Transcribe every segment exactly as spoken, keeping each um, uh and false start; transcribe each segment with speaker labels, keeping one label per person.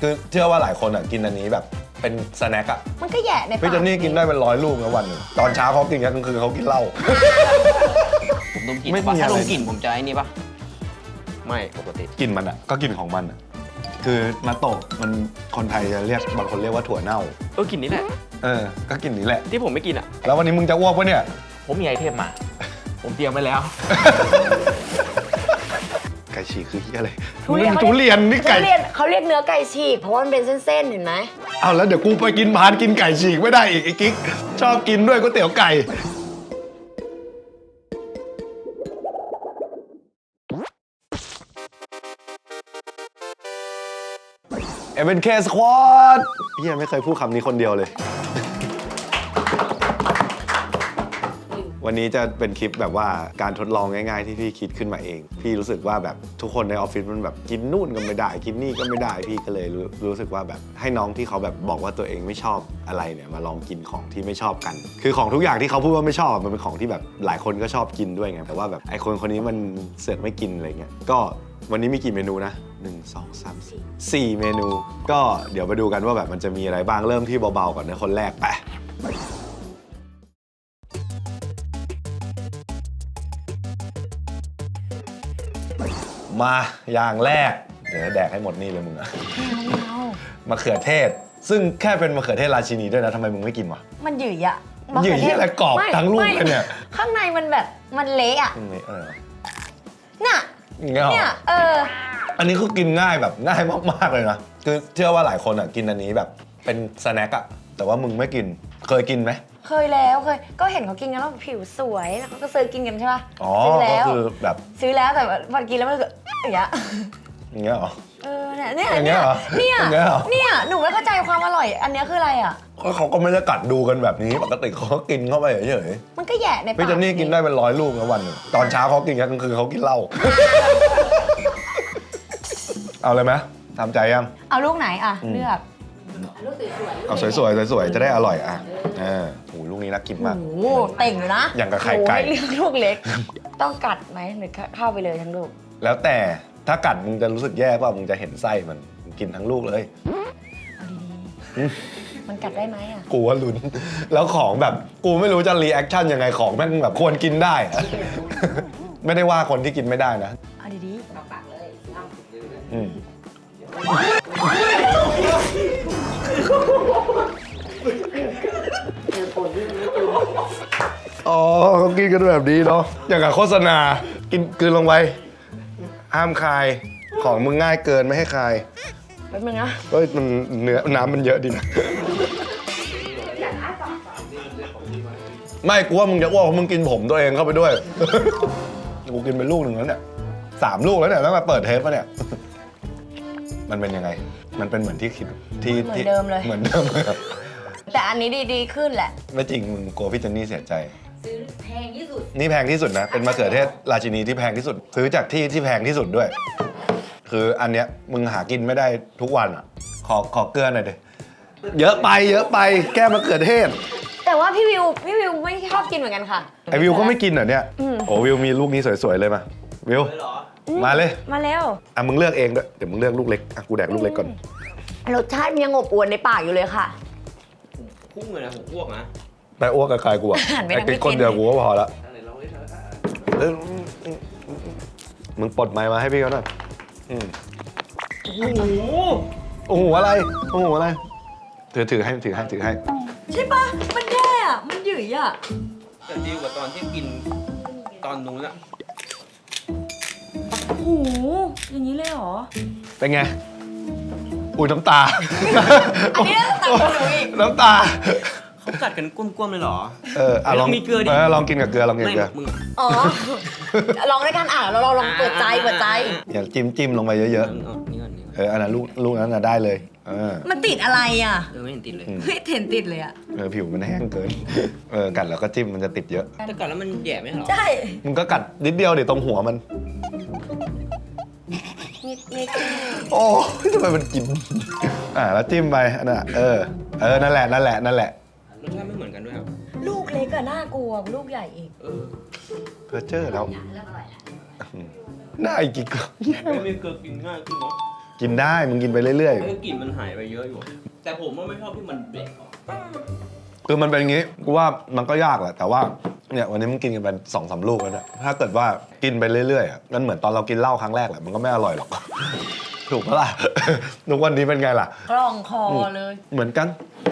Speaker 1: คือเชื่อว่าหลายคนอ่ะกินอันนี้แบบเป็นสแน็คอ่ะ
Speaker 2: มันก็แย่ในปาก
Speaker 1: พี่เจนนี่กินได้เป็นร้อยลูกนะวันหนึ่งตอนเช้าเขากินกันกลางคืนเขากินเหล้า
Speaker 3: ผมดมกลิ่น
Speaker 1: ไม่มี
Speaker 3: ถ้า
Speaker 1: อะไร
Speaker 3: ดมกลิ่นผมจะไอ้นี่ปะไม่ปกติ
Speaker 1: กินมันอ่ะก็กินของมันอ่ะคือนาโตะมันคนไทยจะเรียกบางคนเรียกว่าถั่วเน่า
Speaker 3: เออกลิ่นนี้แหละ
Speaker 1: เออก็กินนี้แหละ
Speaker 3: ที่ผมไม่กินอ่ะ
Speaker 1: แล้ววันนี้มึงจะอ้วกปะเนี่ย
Speaker 3: ผมมีไอเทมมา ผมเตรียมไว้แล้ว
Speaker 1: ไก่ฉีกคือเหี้ยอะไร
Speaker 2: ทุเรียน
Speaker 1: ทุเรียนนี่ไก่
Speaker 2: ทุเรียนเขาเรียกเนื้อไก่ฉีกเพราะว่ามันเป็นเส้นๆเห็นไหม
Speaker 1: เอาแล้วเดี๋ยวกูไปกินพานกินไก่ฉีกไม่ได้อีกไอ้กิ๊กชอบกินด้วยก๋วยเตี๋ยวไก่เอ็ม เอ็น เค Squad เฮียไม่เคยพูดคำนี้คนเดียวเลยวันนี้จะเป็นคลิปแบบว่าการทดลองง่ายๆที่พี่คิดขึ้นมาเองพี่รู้สึกว่าแบบทุกคนในออฟฟิศมันแบบกินนู่นก็ไม่ได้กินนี่ก็ไม่ได้พี่ก็เลยรู้รู้สึกว่าแบบให้น้องที่เขาแบบบอกว่าตัวเองไม่ชอบอะไรเนี่ยมาลองกินของที่ไม่ชอบกันคือของทุกอย่างที่เขาพูดว่าไม่ชอบมันเป็นของที่แบบหลายคนก็ชอบกินด้วยไงแต่ว่าแบบไอคนคนนี้มันเสือกไม่กินอะไรเงี้ยก็วันนี้มีกี่เมนูนะหนึ่ง สอง สาม สี่ สี่เมนูก็เดี๋ยวไปดูกันว่าแบบมันจะมีอะไรบ้างเริ่มที่เบาๆก่อนนะคนแรกไปมาอย่างแรกเดี๋ยวแดกให้หมดนี่เลยมึงอะมะเขือเทศซึ่งแค่เป็นมะเขือเทศราชินีด้วยนะทำไมมึงไม่กินวะ
Speaker 2: มันหยื่อยอะ
Speaker 1: หยื่อยอะไรกรอบทั้งลูกเลยเนี่ย
Speaker 2: ข้างในมันแบบมันเละอะน่ะเนี่ยเออ
Speaker 1: อันนี้คือกินง่ายแบบง่ายมากๆเลยนะคือเชื่อว่าหลายคนอ่ะกินอันนี้แบบเป็นสแน็คอะแต่ว่ามึงไม่กินเคยกินไหม
Speaker 2: เคยแล้วเคยก็เห็นเขากินกันแล้วผิวสวยแล้วเขาก็ซื้อกินกันใช่ป่ะ
Speaker 1: อ๋อ
Speaker 2: ก็
Speaker 1: คือแบบ
Speaker 2: ซื้อแล้วแต่พอกินแล้วมันก็อย่างเงี้ย
Speaker 1: อย่างเงี้ยเหรอ
Speaker 2: เออเนี่ยเนี่ย
Speaker 1: เนี่ย
Speaker 2: เนี่ยเนี่ยหนูไม่เข้าใจความอร่อยอันนี้คืออะไรอ่ะ
Speaker 1: เขาก็ไม่ได้กัดดูกันแบบนี้ปกติเขาก็กินเข้าไปเฉย
Speaker 2: ๆมันก็แย่ในปาก
Speaker 1: พี่เจนนี่กินได้เป็นร้อยลูกนะวันหนึ่งตอนเช้าเขากินกันกลางคืนเขากินเหล้าเอาเลยไหมทำใจยัง
Speaker 2: เอาลูกไหนอ่ะเลือก
Speaker 1: เอาสวยๆสวยๆจะได้อร่อยอ่ะเออโหลูกนี้น่ากินมาก
Speaker 2: โอ้เต่งเลยนะ
Speaker 1: อย่างกับไข่ไก่
Speaker 2: เลือกลูกเล็กต้องกัดไหมหรือเข้าไปเลยทั้งลูก
Speaker 1: แล้วแต่ถ้ากัดมึงจะรู้สึกแย่ป่ะมึงจะเห็นไส้มันกินทั้งลูกเลย
Speaker 2: เอาดีๆมันกัดได้ไหมอ่ะ
Speaker 1: กูว่าลุ้นแล้วของแบบกูไม่รู้จะรีแอคชั่นยังไงของแม่งแบบควรกินได้ไม่ได้ว่าคนที่กินไม่ได้นะ
Speaker 2: เอาดีๆปากเลย
Speaker 1: อืมอ๋อเขากินกันแบบนี้เนาะอย่างกับโฆษณากินกลืนลงไปห้ามคายของมึงง่ายเกินไม่ให้คาย
Speaker 2: แป๊บนึงนะ
Speaker 1: เฮ้ยมันเนื้อน้ำมันเยอะดีนะไม่กูว่ามึงจะอ้วกเพราะมึงกินผมตัวเองเข้าไปด้วยกูกินไปลูกหนึ่งแล้วเนี่ยสามลูกแล้วเนี่ยตั้งแต่เปิดเทปมาเนี่ยมันเป็นยังไงมันเป็นเหมือนที่คิดที่
Speaker 2: เหมือนเดิมเลย
Speaker 1: เหมือนเดิมเลย
Speaker 2: แต่อันนี้ดีๆขึ้นแหละ
Speaker 1: ไม่จริงมึงกลัวพี่เจนนี่เสียใจ
Speaker 2: ซื้อแพงที่สุด
Speaker 1: นี่แพงที่สุดนะเป็นมะเขือเทศราชินีที่แพงที่สุดซื้อจากที่ที่แพงที่สุดด้วยคืออันเนี้ยมึงหากินไม่ได้ทุกวันอ่ะขอขอเกลือหน่อยดิเยอะไปเยอะไปแก้มะเขือเทศ
Speaker 2: แต่ว่าพี่วิวพี่วิวไม่ชอบกินเหมือนกันค่ะ
Speaker 1: ไอวิวก็ไม่กินเหรอเนี่ยโอ้วิวมีลูกนี้สวยๆเลยมาวิวมาเลย
Speaker 2: มาแล้ว
Speaker 1: อ่ะมึงเลือกเองด้วยเดี๋ยวมึงเลือกลูกเล็กอ่ะกูแดกลูกเล็กก่อน
Speaker 2: รสชาติมันยังอบอวลในปากอยู่เลยค่ะ
Speaker 3: พุ่งเลยนะผมอ้วกนะ
Speaker 1: ไปอ้วกกับใครกูอ่ะไอ้ติ๊กคนเดียวกูก็พอละมึงปลดไมค์มาให้พี่เขาหน่อยโอ้โหโอ้โหอะไรโอ้โหอะไรถือถือให้ถือให้ถือให้
Speaker 2: ใช่ปะมันแย่อะมันหยื่อยอะ
Speaker 3: แต่ดีกว่าตอนที่กินตอนนู้นอะ
Speaker 2: โอ้โหอย่างนี้เลยเหรอ
Speaker 1: เป็นไงอุ้ยน้ำตา
Speaker 2: อันนี้น้ำตาอีก
Speaker 1: น้ำตา
Speaker 3: เขากัดกันก้มๆเลยเหรอ
Speaker 1: เออลองมีเกลือดิลองกินกับเกลือลองกินกับเกลือ
Speaker 2: อ๋อลองด้วยกันอ่ะเราเราลองเปิดใจเปิดใจ
Speaker 1: อย่าจิ้มจิ้มลงไปเยอะๆเอออันนั้นลูกลูกนั้นน่ะได้เลย
Speaker 2: มันติดอะไรอ่ะ
Speaker 3: เออไม่เห็นติดเลย
Speaker 2: ไม่เห็นติดเลยอ่ะ
Speaker 1: เออผิวมันแห้งเกินเออกัดแล้วก็จิ้มมันจะติดเยอะ
Speaker 3: แต่กัดแล้วมันแย่ไหมหรอ
Speaker 2: ใช่
Speaker 1: มึงก็กัดนิดเดียวดิตรงหัวมัน
Speaker 2: นิดนิด
Speaker 1: โอ้ทำไมมันกินอ่าแล้วจิ้มไปอันน่ะเออเออนั่นแหละนั่นแหละนั่นแหละ
Speaker 3: รสชาติไม่เหมือนกันด้วยครับ
Speaker 2: ลูกเล็กอะน่ากลัวลูกใหญ่อีก
Speaker 3: เออ
Speaker 1: เพอเจอแล้วน่าอีกกี่กล่อง
Speaker 3: ไม่มีเกลือกินง่ายขึ้นเนาะ
Speaker 1: กินได้มึงกินไปเรื่อย
Speaker 3: เอ้ยกลิ่นมันหายไปเยอะอยู่ แต่ผมว่าไม่ชอบที่มันเบรกออก
Speaker 1: ๆคือมันเป็นอย่างงี้กูว่ามันก็ยากแหละแต่ว่าเนี่ยวันนี้มึงกินกันไปสองสามลูกแล้วเนี่ยถ้าเกิดว่ากินไปเรื่อยๆอ่ะมันเหมือนตอนเรากินเหล้าครั้งแรกแหละมันก็ไม่อร่อยหรอก ถูกปะล่ะ ทุกวันนี้เป็นไงล่ะ
Speaker 2: กล่องคอเลย
Speaker 1: เหมือนกัน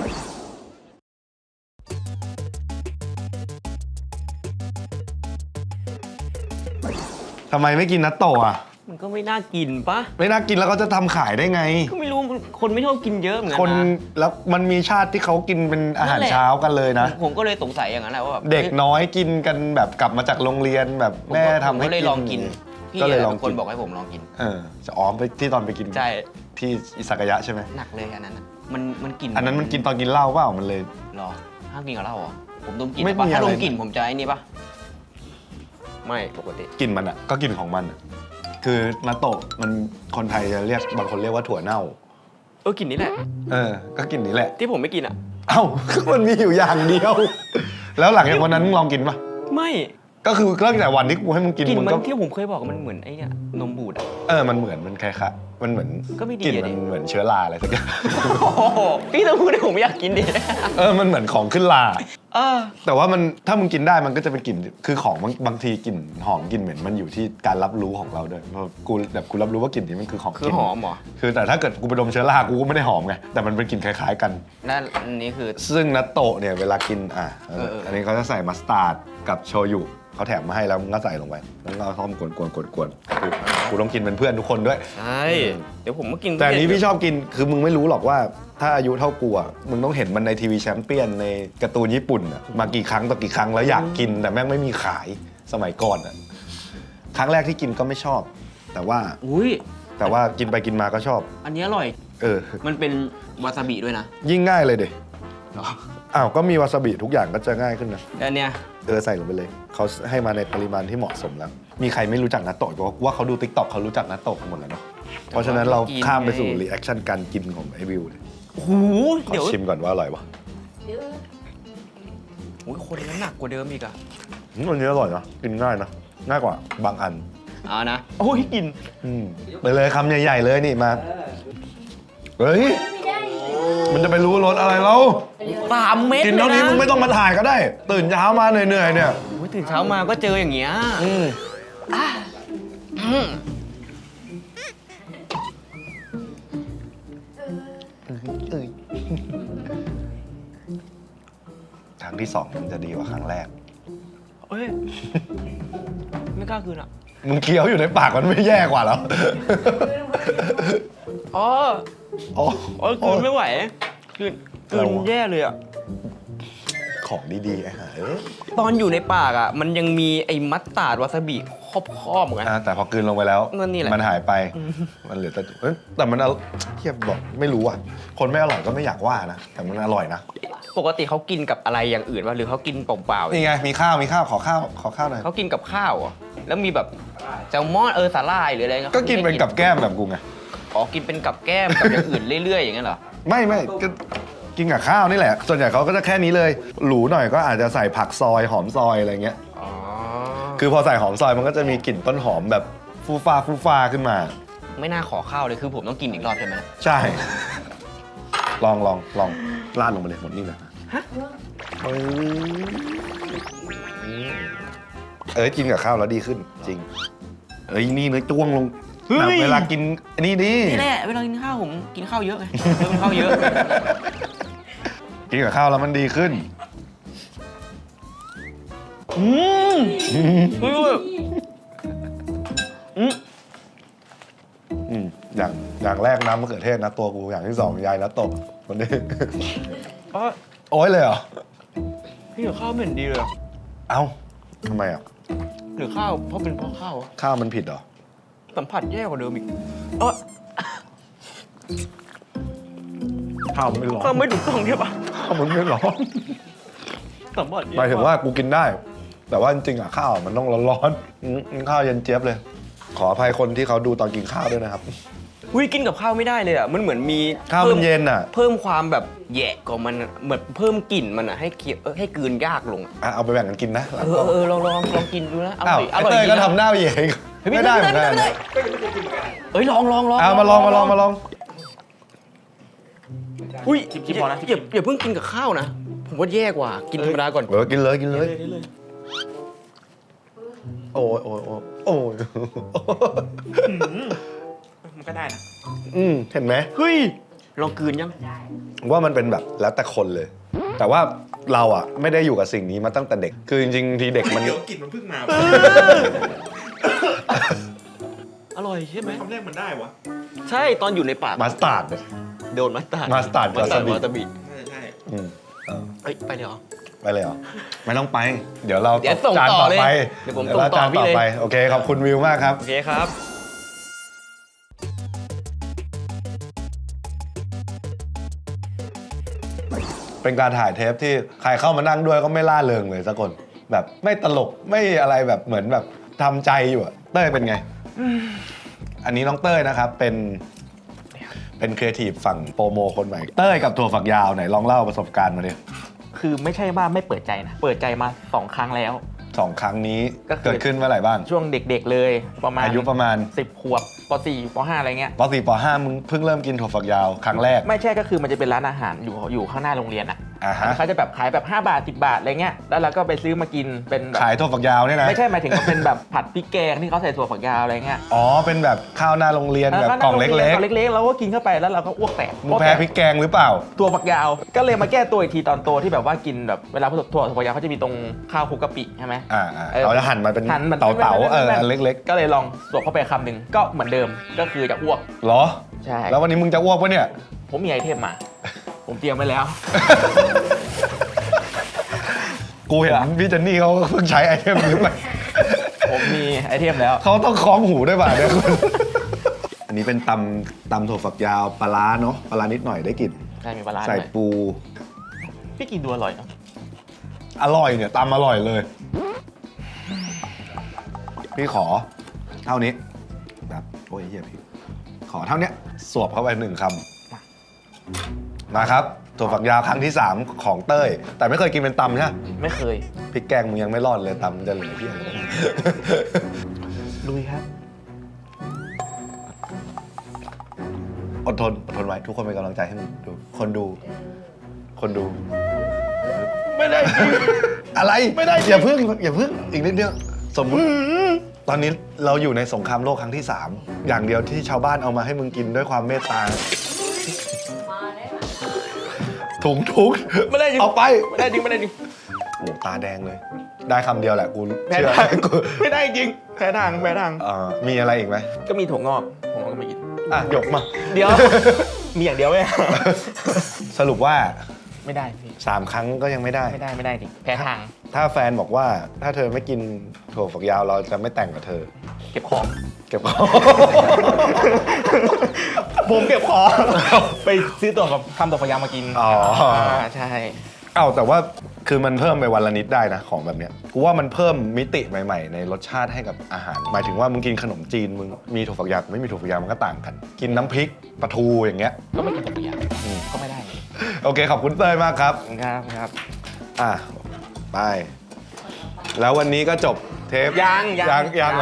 Speaker 1: ทำไมไม่กินนัตโตะอ่ะ
Speaker 3: มันก็ไม่น่ากินปะ
Speaker 1: ไม่น่ากินแล้วเขาจะทำขายได้ไง
Speaker 3: ก็ไม่รู้คนไม่ชอบกินเยอะเหมือนกั
Speaker 1: คน
Speaker 3: นะ
Speaker 1: แล้วมันมีชาติที่เขากินเป็นอาหารเช้ากันเลยนะ
Speaker 3: ผมก็เลยสงสัยอย่างนั้นแหละว่าแบบ
Speaker 1: เด็กน้อยกินกันแบบกลับมาจากโรงเรียนแบบ
Speaker 3: ผม
Speaker 1: แม่
Speaker 3: ก็
Speaker 1: ทำให้
Speaker 3: ผมก็เลยลองกินพี่
Speaker 1: ก็เลยลอง
Speaker 3: เป็นค
Speaker 1: กิ
Speaker 3: น
Speaker 1: น
Speaker 3: บอกให้ผมลองกิน
Speaker 1: เออจะอ๋อไปที่ตอนไปกิน
Speaker 3: ใช่
Speaker 1: ที่อิซากายะใช่ไหม
Speaker 3: หนักเลยอันนั้นน่ะมันมันกลิ่น
Speaker 1: อันนั้นมันกินตอนกินเหล้าเปล่ามันเลย
Speaker 3: หรอห้ามกินกับเหล้าเหรอผมดมกลิ่น
Speaker 1: ไม่
Speaker 3: ปะ
Speaker 1: มี
Speaker 3: ถ้า
Speaker 1: อะไร
Speaker 3: ดมกลิ่นผมจะไอ้นี่ปะไม่ปกติ
Speaker 1: กลินมันอ่ะก็กลินของมันอะคือนัตโตะมันคนไทยจะเรียกบางคนเรียกว่าถั่วเน่า
Speaker 3: เออกลิ่นนี้แหละ
Speaker 1: เออก็กลินนี้แหละ
Speaker 3: ที่ผมไม่กินอ่ะ
Speaker 1: เอ้า มันมีอยู่อย่างเดียว แล้วหลังจากวันนั้นมึงลองกินปะ
Speaker 3: ไม่
Speaker 1: ก็คือตั้งแต่วันที่กูให้มึงกิน
Speaker 3: กลิ่น
Speaker 1: มึง
Speaker 3: มัน
Speaker 1: ก็
Speaker 3: ที่ผมเคยบอกมันเหมือนไอ้เนี่ยนมบูดอ่ะ
Speaker 1: เออมันเหมือนมันคล้ายๆมันเหมือน
Speaker 3: ก็ไม่ดี
Speaker 1: กลิ่น
Speaker 3: อะ
Speaker 1: มั
Speaker 3: ดิ
Speaker 1: นเหมือนเชื้อราอะไรสักอย่าง
Speaker 3: โอ้โหพี่ต้องพูดให้ผมอยากกินดิ
Speaker 1: เออมันเหมือนของขึ้นรา
Speaker 3: เออ
Speaker 1: แต่ว่ามันถ้ามึงกินได้มันก็จะเป็นกลิ่นคือของบางบางทีกลิ่นหอมกลิ่นเหม็นมันอยู่ที่การรับรู้ของเราด้วยเพราะกูแบบกูรับรู้ว่ากลิ่นนี้มันคือของ
Speaker 3: คื
Speaker 1: กิ
Speaker 3: อน หอมเหรอ
Speaker 1: คือแต่ถ้าเกิดกูไปดมเชื้อรากูก็ไม่ได้หอมไงแต่มันเป็นกลิ่นคล้ายๆกัน
Speaker 3: นั่นอันนี้คือ
Speaker 1: ซึ่งนัตโตะเนี่ยเวลากินอ่ะ
Speaker 3: เออเอออั
Speaker 1: อันนี้เขาจะใส่มัสตาร์ดกับโชยุเขาแถมมาให้แล้วมึงก็ใส่ลงไปแล้วก็เอากวนกวนกวนกวนๆคือกูต้องกินเป็นเพื่อนทุกคนด้วย
Speaker 3: ใช่เดี๋ยวผมมากิน
Speaker 1: แต่อันนี้พี่ชอบกินคือมึงไม่รู้หรอกว่าถ้าอายุเท่ากูอ่ะมึงต้องเห็นมันในทีวีแชมเปี้ยนในการ์ตูนญี่ปุ่นอ่ะมากี่ครั้งต่อกี่ครั้งแล้วอยากกินแต่แม่งไม่มีขายสมัยก่อนอ่ะครั้งแรกที่กินก็ไม่ชอบ แต่ว่า
Speaker 3: อุ้ย
Speaker 1: แต่ว่ากินไปกินมาก็ชอบ
Speaker 3: อันนี้อร่อย
Speaker 1: เออ
Speaker 3: มันเป็นวาซาบิด้วยนะ
Speaker 1: ยิ่งง่ายเลยเด็
Speaker 3: เหรอ
Speaker 1: อ้าวก็มีวาซาบิทุกอย่างก็จะง่ายขึ้นนะ
Speaker 3: แล้วอันเนี้ย
Speaker 1: เออใส่ลงไปเลยเขาให้มาในปริมาณที่เหมาะสมแล้ว มีใครไม่รู้จักนัตโตะเพราะว่าเขาดูติ๊กต็อกเขารู้จักนัตโตะกันหมดแล้วเนาะเพราะฉะนั้นเราข้ามไปสู่รีแอคชั่นการกินของไอวิวเลย
Speaker 3: โอ้โห
Speaker 1: ขอ
Speaker 3: เดี๋ยว
Speaker 1: ชิมก่อนว่าอร่อยปะ
Speaker 3: โอ้ยคนนั้นหนักกว่าเดิมอีกอะ
Speaker 1: อืมอันนี้อร่อยนะกินง่ายนะง่ายกว่าบางอัน
Speaker 3: เอานะโอ้ยกิน
Speaker 1: อืมไปเลยคำใหญ่ๆเลยนี่มาเฮ้ยมันจะไปรู้รสอะไรแล้ว
Speaker 3: สามเม็ด
Speaker 1: กิน
Speaker 3: เลย
Speaker 1: เท่านี้
Speaker 3: นะ
Speaker 1: มึงไม่ต้องมาถ่ายก็ได้ ตื่นเช้ามาเหนื่อยๆเนี่ย
Speaker 3: โอ้ยตื่นเช้ามาก็เจออย่างเงี้ย
Speaker 1: อืม
Speaker 3: อืม
Speaker 1: ครั้งที่สองมันจะดีกว่าครั้งแรก
Speaker 3: เอ้ยไม่กล้าคืนอะ
Speaker 1: มึงเคี้ยวอยู่ในปากมันไม่แย่กว่าแล้ว
Speaker 3: อ๋อ
Speaker 1: อ๋อ
Speaker 3: โอ้ยคืนไม่ไหวคืนคื
Speaker 1: เรา
Speaker 3: นแย่เลยอะ
Speaker 1: ของดีๆไอ้ห่าเอ้ย
Speaker 3: ตอนอยู่ในปากอะมันยังมีไอ้มัสตาร์ดวาซาบิครอบๆเหมือนกัน
Speaker 1: อ่าแต่พอกลืนลงไปแล้ว
Speaker 3: นั่นนี่แหละ
Speaker 1: มันหายไป มันเหลือแต่เอ้ยแต่มันเอาเทียบบอกไม่รู้อ่ะ คนไม่อร่อยก็ไม่อยากว่านะ แต่มันอร่อยนะ
Speaker 3: ปกติเขากินกับอะไรอย่างอื่นวะหรือเขากินเปล่าๆ
Speaker 1: นี่ไง มีข้าว มีข้าว ขอข้าว ขอข้าวหน่อย
Speaker 3: เขากินกับข้าวเหรอแล้วมีแบบแซลมอนเออสาหร่ายหรืออะไรงี้ย
Speaker 1: ก็กินเป็นกับแก้มแบบกูไง
Speaker 3: อ๋อกินเป็นกับแก้มกับอย่างอื่นเรื่อยๆอย่างเงี้ยเหรอ
Speaker 1: ไม่ไม่ก็กินกับข้าวนี่แหละ ส่วนใหญ่เขาก็จะแค่นี้เลย หรูหน่อยก็อาจจะใส่ผักซอยหอมซอยอะไรเงี้ย
Speaker 3: อ๋อ
Speaker 1: คือพอใส่หอมซอยมันก็จะมีกลิ่นต้นหอมแบบฟูฟ้าฟูฟ้าขึ้นมา
Speaker 3: ไม่น่าขอข้าวเลยคือผมต้องกินอีกรอบใช่ไหม
Speaker 1: ใช่ ลองลองลองราดลงไปเลยหมดนี่เลยเอ้ยเอ้ยกินกับข้าวแล้วดีขึ้น จริง เอ้ยนี่เนื้อจ้วงลงแบบเวลากินอันนี่ดิ
Speaker 3: นี่แหละเวลากินข้าวผมกินข้าวเยอะไงเริ่มกินข้าวเยอะ
Speaker 1: กินกับข้าวแล้วมันดีขึ้น
Speaker 3: อืมเฮ้ยอืม
Speaker 1: อืมอย่างอย่างแรกน้ำมะเขือเทศนะตัวกูอย่างที่สองยายนะตกคนนี้
Speaker 3: อ๋อ
Speaker 1: โอ้ยเลยเหรอ
Speaker 3: พี่กับข้าวไม่เห็นดีเลยอะ
Speaker 1: เอ้าทำไมอ่ะ
Speaker 3: หรือข้าวเพราะเป็นเพราะข้าวอะ
Speaker 1: ข้าวมันผิดเหรอ
Speaker 3: สัมผัสแย่กว่าเดิมอีกเออ
Speaker 1: ข้าวมันไม่ร้อน
Speaker 3: ข้าวไม่ถูกต้องใช่ปะ
Speaker 1: ข้าวมันไม่ร้อน
Speaker 3: สัมผัสแย่
Speaker 1: หมายถึงว่ากูกินได้ แต่ว่าจริงๆอ่ะข้าวมันต้องร้อนๆอืมข้าวเย็นเจี๊ยบเลย ขออภัยคนที่เขาดูตอนกินข้าวด้วยนะครับ
Speaker 3: อุ้ยกินกับข้าวไม่ได้เลยอ่ะมันเหมือนมี
Speaker 1: ข้าวมันเย็นอ่ะ
Speaker 3: เพิ่มความแบบแย่กว่ามันอะเหมือนเพิ่มกลิ่นมันอ่ะให้เคี้ยวเออให้กลืนยากลงอะ
Speaker 1: อ่ะเอาไปแบ่งกันกินนะ
Speaker 3: เออเออลองลองลองกินดูนะอร่
Speaker 1: อ้า
Speaker 3: อ
Speaker 1: วย
Speaker 3: อ
Speaker 1: ไอ้
Speaker 3: ร่อย
Speaker 1: เต้ย
Speaker 3: ดี
Speaker 1: ก็
Speaker 3: นะ
Speaker 1: ทำหน้าเหย่
Speaker 3: เฮ้ย
Speaker 1: ไม่ได้เหมือนกัน
Speaker 3: ไม่ได้
Speaker 1: นะ
Speaker 3: เอ้ยลองลองลอง
Speaker 1: เอามาลองมาลองมาลอง
Speaker 3: อุ้ย
Speaker 4: ชิมๆพอนะ
Speaker 3: อย่าอย่าเพิ่งกินกับข้าวนะ ผมว่าแย่กว่ากินธรรมดาก่อน
Speaker 1: เออกินเลยกินเลย
Speaker 4: ได้เลย
Speaker 1: โอ้ยโอ้ยโอ้ยโอ้ย
Speaker 4: มันก็ได้นะ
Speaker 1: อืมเห็นไหม
Speaker 3: เฮ้ยลองกลืนยัง
Speaker 1: ว่ามันเป็นแบบแล้วแต่คนเลย แต่ว่าเราอ่ะไม่ได้อยู่กับสิ่งนี้มาตั้งแต่เด็ก คือจริงๆทีเด็กมัน
Speaker 4: เดี๋ยวกลิ่นมันเพิ่งมา
Speaker 3: อร่อยใช่ไหม
Speaker 4: คำแรกมันได้วะ
Speaker 3: ใช่ตอนอยู่ในปาก
Speaker 1: มาสตาร์ด
Speaker 3: โดนมัสตาร์ด
Speaker 1: มัสตาร์ด
Speaker 3: มัสตาร์ด
Speaker 1: วาซาบิ
Speaker 3: วาซาบิ
Speaker 4: น่าจะใช่
Speaker 1: อืมเออ
Speaker 3: เอ้ยไปเลยเหรอ
Speaker 1: ไปเลยเหรอ ไม่ต้องไป เดี๋ยวเรา
Speaker 3: เดี๋ยวส่ง
Speaker 1: จาน
Speaker 3: ต่อ
Speaker 1: ต่อ
Speaker 3: เลย
Speaker 1: ไป
Speaker 3: เดี๋ยวผม
Speaker 1: รา
Speaker 3: ส่งต่อ
Speaker 1: จาน
Speaker 3: พี่
Speaker 1: ต่อ
Speaker 3: เลย
Speaker 1: ไป โอเค ขอบคุณวิวมากครับ
Speaker 3: โอเคครับ
Speaker 1: เป็นการถ่ายเทปที่ใครเข้ามานั่งด้วยก็ไม่ล่าเริงเลยสักคน แบบไม่ตลกไม่อะไรแบบเหมือนแบบทำใจอยู่อะเต้ยเป็นไง อันนี้น้องเต้ยนะครับเป็นเป็นครีเอทีฟฝั่งโปรโมคนใหม่ เต้ยกับถั่วฝักยาวไหนลองเล่าประสบการณ์มาดิ
Speaker 4: คือไม่ใช่ว่าไม่เปิดใจนะ เปิดใจมาสองครั้งแล้ว
Speaker 1: สองครั้งนี้
Speaker 4: ก็คือ
Speaker 1: เกิดขึ้นเมื่อไหร่บ้าง
Speaker 4: ช่วงเด็กๆเลยประมาณ
Speaker 1: อายุประมาณ
Speaker 4: สิบขวบป .สี่ ป .ห้า อะไรเงี้ย
Speaker 1: ป .สี่ ป .ห้า มึงเพิ่งเริ่มกินถั่วฝักยาวครั้งแรก
Speaker 4: ไม่ใช่ก็คือมันจะเป็นร้านอาหารอยู่อยู่ข้างหน้าโรงเรียนอ่ะ
Speaker 1: อ่าฮะ
Speaker 4: เขาจะแบบขายแบบห้าบาทสิบบาทอะไรเงี้ยแล้วเราก็ไปซื้อมากินเป็นแบบ
Speaker 1: ขายถั่วฝักยาวเนี่ยนะ
Speaker 4: ไม่ใช่หมายถึงว่าเป็นแบบผัดพริกแกงที่เขาใส่ถั่วฝักยาวอะไรเงี้ย
Speaker 1: อ๋อเป็นแบบข้าวหน้าโรงเรียนแบบกล่องเล็ก
Speaker 4: กล่องเล็กๆเราก็กินเข้าไปแล้วเราก็อ้วกแตก
Speaker 1: ๆมึงแพ้พริกแกงหรือเปล่า
Speaker 4: ตัวฝักยาว ก็เลยมาแก้ตัวอีกทีตอนโตที่แบบว่ากินแบบเวลาถั่วถั่วฝักยาวเขาจะมีตรงข้าวคลุกกะปิใช่ไหม
Speaker 1: อ่าอ่า
Speaker 4: เออ
Speaker 1: เราจะหั่นมันเป็น
Speaker 4: หั่นมัน
Speaker 1: เต๋าเต๋าๆเอออันเล็ก
Speaker 4: ก็เลยลองสวมเข้าไปคำหนึ่งก็เหมือนเดิมก็คือจะอ้วก
Speaker 1: ๆเหรอ
Speaker 4: ใช่
Speaker 1: แล้ววันนี้มึงจะอ้วกปะเนี่ย
Speaker 4: ผมมีไอเทมมา ผมเตรียมไว้แล้ว
Speaker 1: กูเห็นพี่เจนนี่เขาเพิ่งใช้ไอเทมนี้ไป
Speaker 4: ผมมีไอเทมแล้ว
Speaker 1: เขาต้องคล้องหูด้วยป่ะเนี่ยคุณอันนี้เป็นตำตำถั่วฝักยาวปลาร้าเนาะปลาร้านิดหน่อยได้กลิ่น
Speaker 4: ใช่มีปลาร้า
Speaker 1: ใส่
Speaker 4: ด้วย
Speaker 1: ปู
Speaker 4: พี่กินดูอร่อยเนาะ
Speaker 1: อร่อยเนี่ยตำอร่อยเลย พี่ขอเท่านี้แบบโอ้ยเฮียพี่ขอเท่าเนี้ยสวบเข้าไปหนึ่งคำมาครับถั่วฝักยาวครั้งที่สามของเต้ย แต่ไม่เคยกินเป็นตำใช่ไหม
Speaker 4: ไม่เคย
Speaker 1: พริกแกงมึงยังไม่รอดเลยตำจะเหลือเพี้ยอะไร
Speaker 4: ลุยครับ
Speaker 1: อดทนอดทนไว้ทุกคนเป็นกำลังใจให้มึงดูคนดู คนดู
Speaker 4: ไม่ได้จริง
Speaker 1: อะไร
Speaker 4: ไม่ได้
Speaker 1: อย่าพึ่งอย่าพึ่งอีกนิดเดียวสมมติตอนนี้เราอยู่ในสงครามโลกครั้งที่สามอย่างเดียวที่ชาวบ้านเอามาให้มึงกินด้วยความเมตตาถุงทุก
Speaker 4: ไม่ได้จริง
Speaker 1: เอาไป
Speaker 4: ไม่ได้จริงไม่ได้จริง
Speaker 1: โอ้ตาแดงเลย ได้คำเดียวแหละกู
Speaker 4: แพ้
Speaker 1: เชื่อ
Speaker 4: ทาง
Speaker 1: กู
Speaker 4: ไม่ได้จริงแพ้ทางแพ้ทาง
Speaker 1: เอ่อมีอะไรอีกไหม
Speaker 4: ก็มีถั่วงอกผมก็ไม่กิน
Speaker 1: อ่ะหยกมา
Speaker 4: เดี๋ยว มีอย่างเดียวไหม
Speaker 1: สรุปว่า
Speaker 4: ไม่ได้พี่
Speaker 1: สามครั้งก็ยังไม่ได้
Speaker 4: ไม่ได้ไม่ได้จริงแพ้ทาง
Speaker 1: ถ้าแฟนบอกว่าถ้าเธอไม่กินถั่วฝักยาวเราจะไม่แต่งกับเธอ
Speaker 4: เก็บของ
Speaker 1: เก็บของ
Speaker 4: ผมเก็บของ ไปซื้อตัวกับทำตัวพยายามมากิน
Speaker 1: อ๋ออ่
Speaker 4: าใช่
Speaker 1: เอ้าแต่ว่าคือมันเพิ่มไปวันละนิดได้นะของแบบเนี้ยกูว่ามันเพิ่มมิติใหม่ๆ ในรสชาติให้กับอาหาร หมายถึงว่ามึงกินขนมจีนมึงมีถั่วฝักยาวกับไม่มีถั่วฝักยาวมันก็ต่างกัน กินน้ำพริกปลาทูอย่างเงี้ย
Speaker 4: ก็ไม่กินตัวพยายาม
Speaker 1: อืม
Speaker 4: ก็ไม่ได้
Speaker 1: โอเคขอบคุณเต้ยมากครับ
Speaker 4: ครับครับ
Speaker 1: อ่ะไป แล้ววันนี้ก็จบเทป
Speaker 4: ยังยัง
Speaker 1: ยังยัง
Speaker 4: ยัง
Speaker 1: เหรอ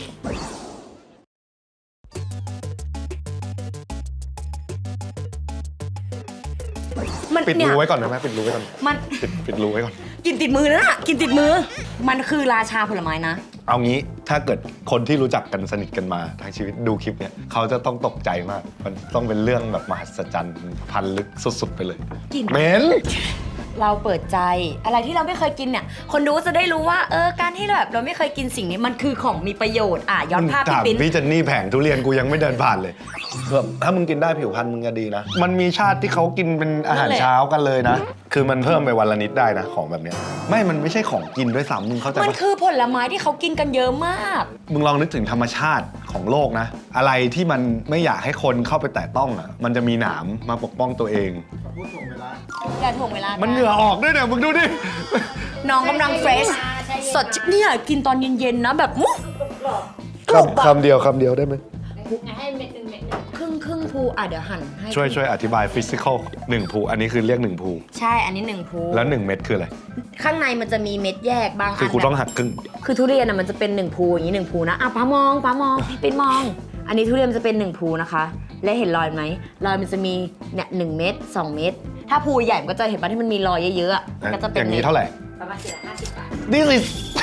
Speaker 2: มัน
Speaker 1: ปิด
Speaker 2: เนี่
Speaker 1: รู
Speaker 2: ย
Speaker 1: ไว้ก่อนได้ไหมปิดรูไว้ก่อน
Speaker 2: มัน
Speaker 1: ปิดปิดรูไว้ก่อน
Speaker 2: กินติดมือนะกินติดมือ มันคือราชาผลไม้นะ
Speaker 1: เอางี้ถ้าเกิดคนที่รู้จักกันสนิทกันมาทั้งชีวิตดูคลิปเนี่ยเขาจะต้องตกใจมาก มันต้องเป็นเรื่องแบบมหัศจรรย์พันลึกสุดๆไปเลย
Speaker 2: กิน
Speaker 1: เหม็น
Speaker 2: เราเปิดใจอะไรที่เราไม่เคยกินเนี่ย คนดูจะได้รู้ว่าเออการที่แบบเราไม่เคยกินสิ่งนี้มันคือของมีประโยชน์อ่ะย้อนภาพ
Speaker 1: ถาม
Speaker 2: พี่ปิ้น
Speaker 1: พี่เจนนี่แผงทุเรียนกูยังไม่เดินผ่านเลยแบบถ้ามึงกินได้ผิวพรรณมึงจะดีนะ มันมีชาติที่เขากินเป็นอาหารเช้ากันเลยนะ คือมันเพิ่มไปวันละนิดได้นะของแบบเนี้ยไม่มันไม่ใช่ของกินด้วยซ้ำมึงเข้าใจ
Speaker 2: มัน
Speaker 1: ปะ
Speaker 2: คือผลไม้ที่เขากินกันเยอะมาก
Speaker 1: มึงลองนึกถึงธรรมชาติของโลกนะ อะไรที่มันไม่อยากให้คนเข้าไปแตะต้องอ่ะมันจะมีหนามมาปกป้องตัวเอง
Speaker 2: อย่าถ่วงเวลา
Speaker 1: มันเหงื่อออกด้วยเนี่ยมึงดูดิ
Speaker 2: น้องกำลังเฟรชสดเนี่ยกินตอนเย็นๆนะแบบมุ้
Speaker 1: คำคำเดียวคำเดียวได้ไหม
Speaker 5: ให้เม็ดหนึ่งเม็ดหนึ่ง
Speaker 2: ครึ่งครึ่งภูอ่ะเดี๋ยวหั่นให้
Speaker 1: ช่วยช่วยอธิบายฟิสิกอลหนึ่งภูอันนี้คือเรียกหนึ่งภู
Speaker 2: ใช่อันนี้หนึ่งภู
Speaker 1: แล้วหนึ่งเม็ดคืออะไร
Speaker 2: ข้างในมันจะมีเม็ดแยกบางอัน
Speaker 1: คือกูต้อง
Speaker 2: แบบ
Speaker 1: หักครึ่ง
Speaker 2: คือทุเรียนอ่ะมันจะเป็นหนึ่งภูอย่างนี้หนึ่งภูนะอ่ะป้ามองป้ามองพี่ปิ้นมองอันนี้ทุเรียนจะเป็นหนึ่งภูนะคะ และเห็นรอยไหมรอยมันจะมีเนี่ยหนึ่งเม็ดสองเม็ดถ้าภูใหญ่มันก็จะเห็นป่ะที่มันมีรอยเยอะๆอะมันก็จะเป็น
Speaker 1: อย่างนี้เท่าไหร่
Speaker 5: ประมาณสี่ร้อยห้าสิบบาท
Speaker 1: นี่สิ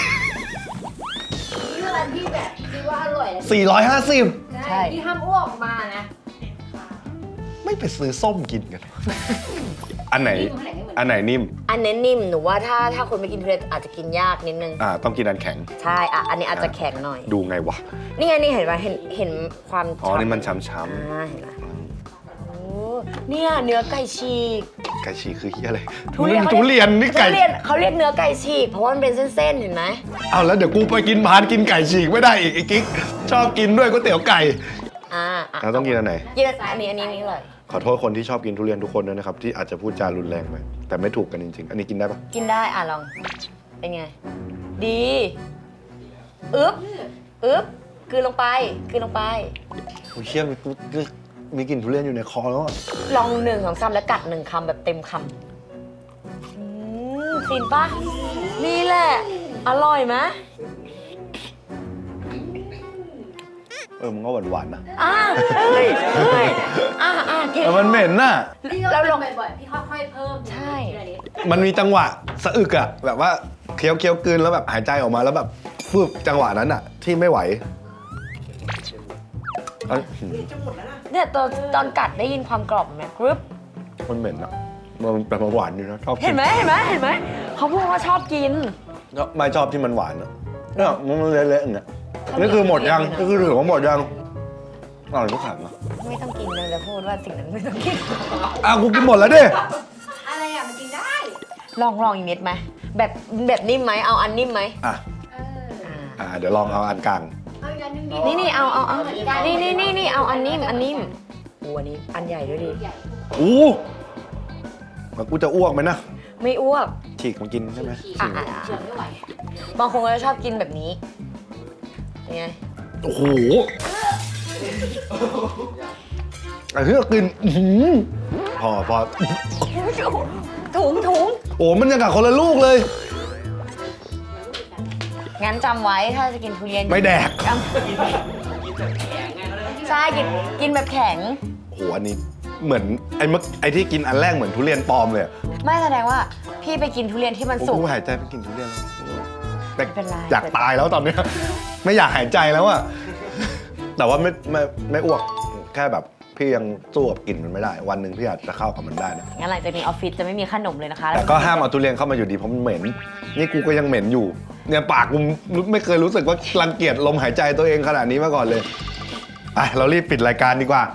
Speaker 5: นี่คือร้านที่แบบคิดว่าอร่อยเลย
Speaker 1: สี่ร้อยห้าสิบ
Speaker 5: ใช่ที่ห้ามอ้วกออกมานะ
Speaker 1: ไม่ไปซื้อส้มกินกัน อันไหน
Speaker 5: นิ่มเท่าไหร่ไม่เหมือน
Speaker 1: อันไหนนิ่ม
Speaker 2: อันนี้นิ่มหนูว่าถ้าถ้าคนไม่กินทุเรียนอาจจะกินยากนิดนึง
Speaker 1: อ่า ต้องกินอันแข็ง
Speaker 2: ใช่อ่ะอันนี้อาจจะแข็งหน่อย
Speaker 1: ดูไงวะ
Speaker 2: นี่ไงนี่เห็นป่ะเห็นเห็นความ
Speaker 1: อ๋อ นี่มัน
Speaker 2: ฉ่
Speaker 1: ช้ำ
Speaker 2: ำอ่าเห็นไหมโอ้เนี่ยเนื้อไก่ฉีก
Speaker 1: ๆไก่ฉีกคือเฮียอะไร
Speaker 2: ทุเรียน
Speaker 1: ทุเรียนนี่ไก่
Speaker 2: ทุเรียนเขาเรียกเนื้อไก่ฉีกเพราะว่ามันเป็นเส้นๆเห็นไหม
Speaker 1: เอาแล้วเดี๋ยวกูไปกินพานกินไก่ฉีกไม่ได้อีกไอ้กิ๊กชอบกินด้วยก๋วยเตี๋ยวไก่
Speaker 2: อ่าอ่ะ
Speaker 1: เราต้องกินอันไหน
Speaker 2: กินอันนี้อันนี้อันนี้เลย
Speaker 1: ขอโทษคนที่ชอบกินทุเรียนทุกคนด้วยนะครับ ที่อาจจะพูดจารุนแรงไปแต่ไม่ถูกกันจริงๆ อันนี้กินได้ปะ
Speaker 2: กินได้อ่ะลองเป็นไง ดีอึ๊บอึ๊บกลืนลงไปกลืนลงไป
Speaker 1: โอ้ยเชี่ยมีมีมีกลิ่นทุเรียนอยู่ในคอแล้วอะ
Speaker 2: ลองหนึ่งสองสามแล้วกัดหนึ่งคำแบบเต็มคำอืมฟินปะนี่แหละ อร่อยไหม
Speaker 1: เออมันก็หวานๆนะ
Speaker 2: อ่ะเฮ้ยเฮ้ยอ่ะอ่ะกิน
Speaker 1: แต่มันเหม็นน่ะ
Speaker 5: พี่ก็
Speaker 2: แล้วล
Speaker 5: ล
Speaker 2: ง
Speaker 5: งบ่อยๆพี่ค่อยๆเพิ่ม
Speaker 2: ใช่
Speaker 5: ทีละนิด
Speaker 1: มันมีจังหวะสะอึกอะแบบว่าเคี้ยวเคี้ยวกลืนแล้วแบบหายใจออกมาแล้วแบบฟึบจังหวะนั้นอะที่ไม่ไหวเอ้ย
Speaker 2: เนี่ยตอนตอนกัดได้ยินความกรอบไหมกรึบ
Speaker 1: มันเหม็นอะมันแบบมันหวานอยู่นะชอบกิ
Speaker 2: เห็นไหมเห็นไหมเห็นไหมเขาพูดว่าชอบกิน
Speaker 1: ไม่ชอบที่มันหวานอะเนี่ยมันเละๆอย่างเงี้ยนี่คือหมดยังนี่คือถือว่าหมดยังอร่อยทุกขันนะ
Speaker 2: ไม่ต้องกินเลยจะพูดว่าสิ่งนั้นไม่ต้องกิน
Speaker 1: อ่ะกูกินหมดแล้วดิ
Speaker 5: อะไรอ่ะมันกินได้
Speaker 2: ลองลองอีกเม็ดไหมแบบแบบนิ่มไหมเอาอันนิ่มไหม
Speaker 1: อ่ะ
Speaker 5: เออ
Speaker 2: อ่า
Speaker 1: อ่ะเดี๋ยวลองเอาอันกลาง
Speaker 5: เอาอีกอันหนึงดิ
Speaker 2: นี่นี่เอาเอาเอา
Speaker 5: หมืกั
Speaker 2: นี่นี่นี่นี่เอาอันนิ่มอันนิ่มโอ้อันนี้อันใหญ่ด้วยดิ
Speaker 5: ใหญ่
Speaker 1: อู้แล้วกูจะอ้วกไหมนะ
Speaker 2: ไม่อ้วก
Speaker 1: ฉีกมากินใช่ไหม
Speaker 5: ฉีก
Speaker 2: อ่ะอ่ะอ่ะ
Speaker 5: เฉื่อยไม่ไหว
Speaker 2: บางคนก็จะชอบกินแบบนี้ยังไง
Speaker 1: โอ้โหไอ้เหี้ยกินอื้อหือพอพอ
Speaker 2: ถุงถุง
Speaker 1: โอ้มันยังกับคนละลูกเลย
Speaker 2: งั้นจำไว้ถ้าจะกินทุเรียน
Speaker 1: ไม่แดก
Speaker 2: จำใช่กินกินแบบแข็ง
Speaker 1: โอ้โหอันนี้เหมือนไอ้เมื่อไอ้ที่กินอันแรกเหมือนทุเรียนปลอมเลยอะ
Speaker 2: ไม่แสดงว่าพี่ไปกินทุเรียนที่มัน
Speaker 1: โอ้
Speaker 2: สุก
Speaker 1: โหหายใจไปกินทุเรียนแล้วแต่
Speaker 2: ไม่เป็นไร
Speaker 1: อยากตายแล้วตอนเนี้ยไม่อยากหายใจแล้วอะแต่ว่าไม่ไม่ไม่อ้วกแค่แบบพี่ยังสู้กับกลิ่นมันไม่ได้ วันหนึ่งพี่อาจจะเข้ากับมันได้นะ
Speaker 2: งั้นหลังจากนี้ออฟฟิศจะไม่มีขนมเลยนะคะ
Speaker 1: แต่ก็ห้ามเอาทุเรียนเข้ามาอยู่ดีเพราะมันเหม็น นี่กูก็ยังเหม็นอยู่ เนี่ยปากกูไม่เคยรู้สึกว่ารังเกียจลมหายใจตัวเองขนาดนี้มาก่อนเลยไปเรารีบปิดรายการดีกว่า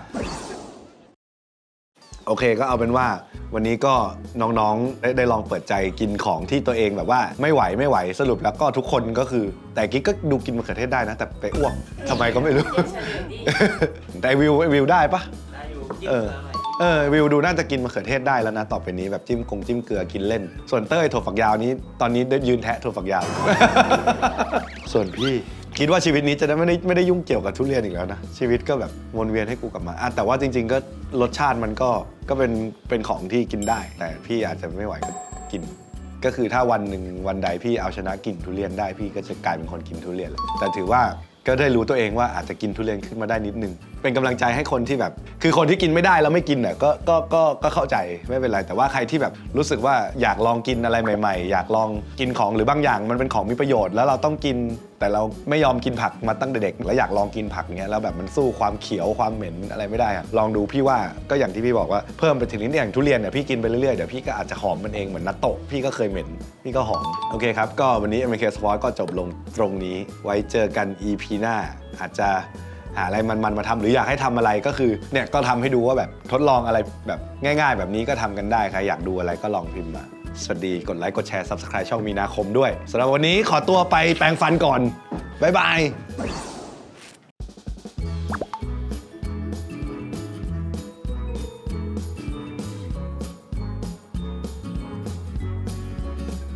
Speaker 1: โอเคก็เอาเป็นว่าวันนี้ก็น้องๆได้ได้ลองเปิดใจกินของที่ตัวเองแบบว่าไม่ไหวไม่ไหวสรุปแล้วก็ทุกคนก็คือ แต่กิ๊กก็ดูกินมะเขือเทศได้นะ แต่ไปอ้วกทำไมก็ไม่รู้ แต่วิววิวได้ปะเออเออวิวดูน่าจะกินมะเขือเทศได้แล้วนะต่อไปนี้แบบจิ้มกงจิ้มเกลือกินเล่น ส่วนเต้ยถั่วฝักยาวนี้ตอนนี้ได้ยืนแทะถั่วฝักยาว ส่วนพี่คิดว่าชีวิตนี้จะได้ไม่ได้ไม่ได้ยุ่งเกี่ยวกับทุเรียนอีกแล้วนะชีวิตก็แบบวนเวียนให้กูกลับมาอ่ะแต่ว่าจริง ๆ ก็รสชาติมันก็ก็เป็นเป็นของที่กินได้ แต่พี่อาจจะไม่ไหวก็กิน ก็คือถ้าวันหนึ่งวันใดพี่เอาชนะกลิ่นทุเรียนได้พี่ก็จะกลายเป็นคนกินทุเรียนเลยแต่ถือว่าก็ได้รู้ตัวเองว่าอาจจะกินทุเรียนขึ้นมาได้นิดนึงเป็นกำลังใจให้คนที่แบบ คือคนที่กินไม่ได้แล้วไม่กินน่ะก็ก็ก็ก็เข้าใจไม่เป็นไรแต่ว่าใครที่แบบรู้สึกว่าอยากลองกินอะไรใหม่ๆอยากลองกินของหรือบางอย่างมันเป็นของมีประโยชน์แล้วเราต้องกิน แต่เราไม่ยอมกินผักมาตั้งแต่เด็กแล้วอยากลองกินผักเงี้ยแล้วแบบมันสู้ความเขียวความเหม็นอะไรไม่ได้อะลองดูพี่ว่าก็อย่างที่พี่บอกว่าเพิ่มไปถึงนิดอย่างทุเรียนเนี่ยพี่กินไปเรื่อยๆเดี๋ยวพี่ก็อาจจะหอมมันเองเหมือนนัตโตะพี่ก็เคยเหม็นพี่ก็หอมโอเคครับก็วันนี้ เอ็ม เค Sport ก็จบลงตรงนี้ไว้เจอกัน อี พี หน้าอาจจะหาอะไรมันๆมาทำหรืออยากให้ทำอะไรก็คือเนี่ยก็ทำให้ดูว่าแบบทดลองอะไรแบบง่ายๆแบบนี้ก็ทำกันได้ใครอยากดูอะไรก็ลองพิมพ์มาสวัสดีกดไลค์กดแชร์ Subscribe ช่องมีนาคมด้วยสำหรับวันนี้ขอตัวไปแปรงฟันก่อนบ๊ายบาย